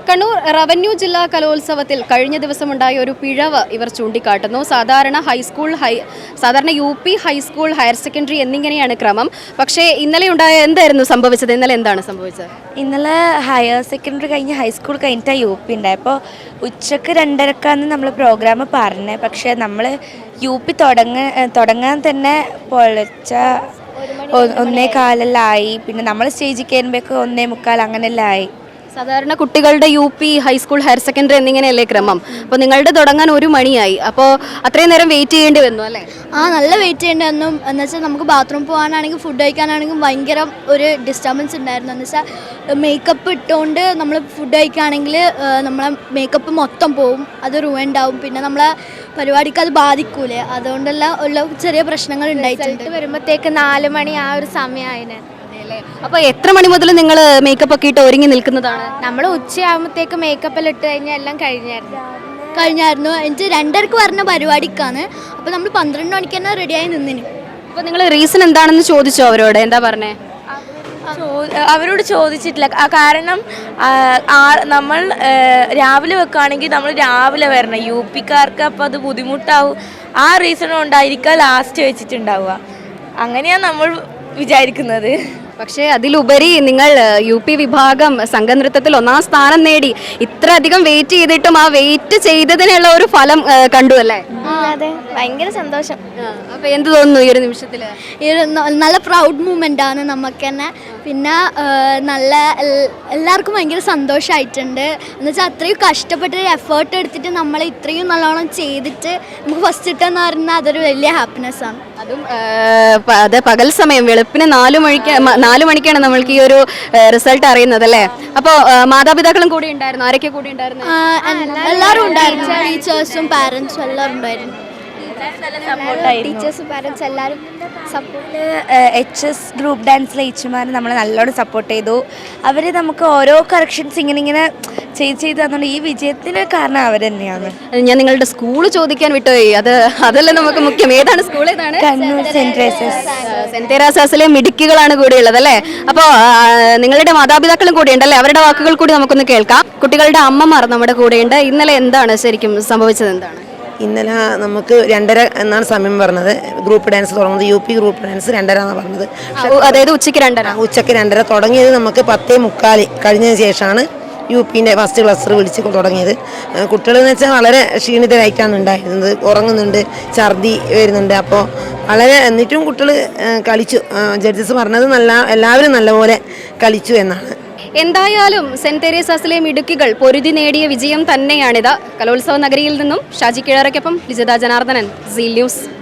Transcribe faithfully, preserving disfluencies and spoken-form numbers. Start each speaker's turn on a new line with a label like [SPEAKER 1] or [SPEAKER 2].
[SPEAKER 1] Kannur revenue ജില്ലാ കലോത്സവത്തിൽ കഴിഞ്ഞ ദിവസമുണ്ടായ ഒരു പിഴവ് ഇവർ ചൂണ്ടിക്കാട്ടുന്നു. സാധാരണ ഹൈസ്കൂൾ ഹൈ സാധാരണ U P high school higher secondary എന്നിങ്ങനെയാണ് ക്രമം. പക്ഷേ ഇന്നലെ ഉണ്ടായ എന്തായിരുന്നു സംഭവിച്ചത്? ഇന്നലെ എന്താണ് സംഭവിച്ചത്?
[SPEAKER 2] ഇന്നലെ ഹയർ സെക്കൻഡറി കഴിഞ്ഞ് ഹൈസ്കൂൾ കഴിഞ്ഞിട്ടാണ് യു പി ഉണ്ടായത്. അപ്പോൾ ഉച്ചക്ക് രണ്ടരക്കാന്ന് നമ്മൾ പ്രോഗ്രാം പറഞ്ഞത്. പക്ഷേ നമ്മൾ യു പി തുടങ്ങ തുടങ്ങാൻ തന്നെ പൊളിച്ച ഒന്നേ കാലെല്ലാം ആയി. പിന്നെ നമ്മൾ സ്റ്റേജിൽ കയറുമ്പോഴേക്ക് ഒന്നേ മുക്കാൽ അങ്ങനെല്ലാം ആയി.
[SPEAKER 1] സാധാരണ കുട്ടികളുടെ U P high school higher secondary എന്നിങ്ങനെയല്ലേ ക്രമം. അപ്പോൾ നിങ്ങളുടെ തുടങ്ങാൻ ഒരു മണിയായി. അപ്പോൾ അത്രയും നേരം വെയിറ്റ് ചെയ്യേണ്ടി വന്നു അല്ലേ?
[SPEAKER 3] ആ, നല്ല വെയിറ്റ് ചെയ്യേണ്ടി വന്നു. എന്ന് വെച്ചാൽ നമുക്ക് ബാത്റൂം പോകാനാണെങ്കിൽ ഫുഡ് കഴിക്കാനാണെങ്കിലും ഭയങ്കര ഒരു ഡിസ്റ്റർബൻസ് ഉണ്ടായിരുന്നു. എന്ന് വെച്ചാൽ മേക്കപ്പ് ഇട്ടുകൊണ്ട് നമ്മൾ ഫുഡ് കഴിക്കുകയാണെങ്കിൽ നമ്മളെ മേക്കപ്പ് മൊത്തം പോവും, അത് റൂവൻഡ് ആവും. പിന്നെ നമ്മളെ പരിപാടിക്ക് അത് ബാധിക്കൂലേ, അതുകൊണ്ടെല്ലാം ഉള്ള ചെറിയ പ്രശ്നങ്ങൾ ഉണ്ടായിട്ടുണ്ട്.
[SPEAKER 2] വരുമ്പോഴത്തേക്ക് നാല് മണി ആ ഒരു സമയമായിന്.
[SPEAKER 1] അപ്പോൾ എത്ര മണി മുതൽ നിങ്ങൾ മേക്കപ്പ് ഒക്കെ ഇട്ട് ഒരുങ്ങി നിൽക്കുന്നതാണ്?
[SPEAKER 2] നമ്മൾ ഉച്ചയാകുമ്പോഴത്തേക്ക് മേക്കപ്പെല്ലാം ഇട്ട് കഴിഞ്ഞാൽ എല്ലാം കഴിഞ്ഞായിരുന്നു
[SPEAKER 3] കഴിഞ്ഞായിരുന്നു എനിക്ക് രണ്ടരക്ക് പറഞ്ഞ പരിപാടിക്കാണ്. അപ്പോൾ നമ്മൾ പന്ത്രണ്ട് മണിക്ക് തന്നെ റെഡിയായി നിന്നിന്.
[SPEAKER 1] അപ്പോൾ നിങ്ങൾ റീസൺ എന്താണെന്ന് ചോദിച്ചോ അവരോട്? എന്താ പറഞ്ഞേ?
[SPEAKER 2] അവരോട് ചോദിച്ചിട്ടില്ല. കാരണം നമ്മൾ രാവിലെ വെക്കുകയാണെങ്കിൽ നമ്മൾ രാവിലെ വരണം, യു പിക്കാർക്ക് അപ്പോൾ അത് ബുദ്ധിമുട്ടാവും. ആ റീസൺ കൊണ്ടായിരിക്കാം ലാസ്റ്റ് വെച്ചിട്ടുണ്ടാവുക. അങ്ങനെയാണ് നമ്മൾ വിചാരിക്കുന്നത്.
[SPEAKER 1] പക്ഷേ അതിലുപരി നിങ്ങൾ യു പി വിഭാഗം സംഘനൃത്തത്തിൽ ഒന്നാം സ്ഥാനം നേടി. ഇത്ര അധികം വെയിറ്റ് ചെയ്തിട്ടും ആ വെയിറ്റ് ചെയ്തതിനുള്ള ഒരു ഫലം കണ്ടു അല്ലേ?
[SPEAKER 2] അതെ, ഭയങ്കര സന്തോഷം.
[SPEAKER 1] അപ്പോൾ എന്ത് തോന്നുന്നു ഈ ഒരു നിമിഷത്തിൽ?
[SPEAKER 3] ഈ ഒരു നല്ല പ്രൗഡ് മൂമെൻ്റ് ആണ് നമുക്ക് തന്നെ. പിന്നെ നല്ല എല്ലാവർക്കും ഭയങ്കര സന്തോഷമായിട്ടുണ്ട്. എന്ന് വെച്ചാൽ അത്രയും കഷ്ടപ്പെട്ട് എഫേർട്ട് എടുത്തിട്ട് നമ്മൾ ഇത്രയും നല്ലോണം ചെയ്തിട്ട് നമുക്ക് ഫസ്റ്റ് കിട്ടുമെന്ന് പറഞ്ഞാൽ അതൊരു വലിയ ഹാപ്പിനെസ് ആണ്.
[SPEAKER 1] അതും അത് പകൽ സമയം വെളുപ്പിന് നാലു മണിക്ക് നാലു മണിക്കാണ് നമ്മൾക്ക് ഈ ഒരു റിസൾട്ട് അറിയുന്നത് അല്ലേ? അപ്പോൾ മാതാപിതാക്കളും കൂടി ഉണ്ടായിരുന്നു. ആരൊക്കെ കൂടി ഉണ്ടായിരുന്നു?
[SPEAKER 3] എല്ലാവരും ഉണ്ടായിരുന്നു. ടീച്ചേഴ്സും പാരൻസും എല്ലാവരും ഉണ്ടായിരുന്നു.
[SPEAKER 2] ടീച്ചേഴ്സും പാരൻസ് എല്ലാവരും സപ്പോർട്ട്. എച്ച് എസ് ഗ്രൂപ്പ് ഡാൻസിലെ ടീച്ചർമാർ നമ്മളെ നല്ലോണം സപ്പോർട്ട് ചെയ്തു. അവർ നമുക്ക് ഓരോ കറക്ഷൻസ് ഇങ്ങനെ ഇങ്ങനെ ചെയ്ത് ചെയ്ത് തന്നുകൊണ്ട് ഈ വിജയത്തിന് കാരണം അവർ തന്നെയാണ്.
[SPEAKER 1] ഞാൻ നിങ്ങളുടെ സ്കൂൾ ചോദിക്കാൻ വിട്ടുപോയി. അത് അതല്ല നമുക്ക് മുഖ്യം. ഏതാണ് സ്കൂൾ? ഏതാണ്?
[SPEAKER 2] Kannur saint Theresa's.
[SPEAKER 1] സെന്റ് തെരേസാസിലെ മിടുക്കികളാണ് കൂടിയുള്ളത് അല്ലേ? അപ്പോൾ നിങ്ങളുടെ മാതാപിതാക്കളും കൂടി ഉണ്ടല്ലേ? അവരുടെ വാക്കുകൾ കൂടി നമുക്കൊന്ന് കേൾക്കാം. കുട്ടികളുടെ അമ്മമാർ നമ്മുടെ കൂടെയുണ്ട്. ഇന്നലെ എന്താണ് ശരിക്കും സംഭവിച്ചത്? എന്താണ്
[SPEAKER 4] ഇന്നലെ നമുക്ക് രണ്ടര എന്നാണ് സമയം പറഞ്ഞത്. ഗ്രൂപ്പ് ഡാൻസ് തുടങ്ങുന്നത് യു പി ഗ്രൂപ്പ് ഡാൻസ് രണ്ടര എന്നാണ് പറഞ്ഞത്.
[SPEAKER 1] അതായത് ഉച്ചയ്ക്ക് രണ്ടര
[SPEAKER 4] ഉച്ചയ്ക്ക് രണ്ടര തുടങ്ങിയത് നമുക്ക് പത്തേ മുക്കാൽ കഴിഞ്ഞതിന് ശേഷമാണ് യു പിൻ്റെ ഫസ്റ്റ് ക്ലസ്റ്റർ വിളിച്ച് തുടങ്ങിയത്. കുട്ടികളെന്ന് വെച്ചാൽ വളരെ ക്ഷീണിതരായിട്ടാണ് ഉണ്ടായിരുന്നത്. ഉറങ്ങുന്നുണ്ട്, ഛർദി വരുന്നുണ്ട്. അപ്പോൾ വളരെ എന്നിട്ടും കുട്ടികൾ കളിച്ചു. ജഡ്ജസ് പറഞ്ഞത് നല്ല എല്ലാവരും നല്ലപോലെ കളിച്ചു എന്നാണ്.
[SPEAKER 1] എന്തായാലും സെന്റ് തെരേസാസിലെ മിടുക്കികൾ പൊരുതി നേടിയ വിജയം തന്നെയാണിത്. കലോത്സവ നഗരിയിൽ നിന്നും ഷാജി കിഴറയ്ക്കൊപ്പം ലിജിത ജനാർദ്ദനൻ, സീൽ ന്യൂസ്.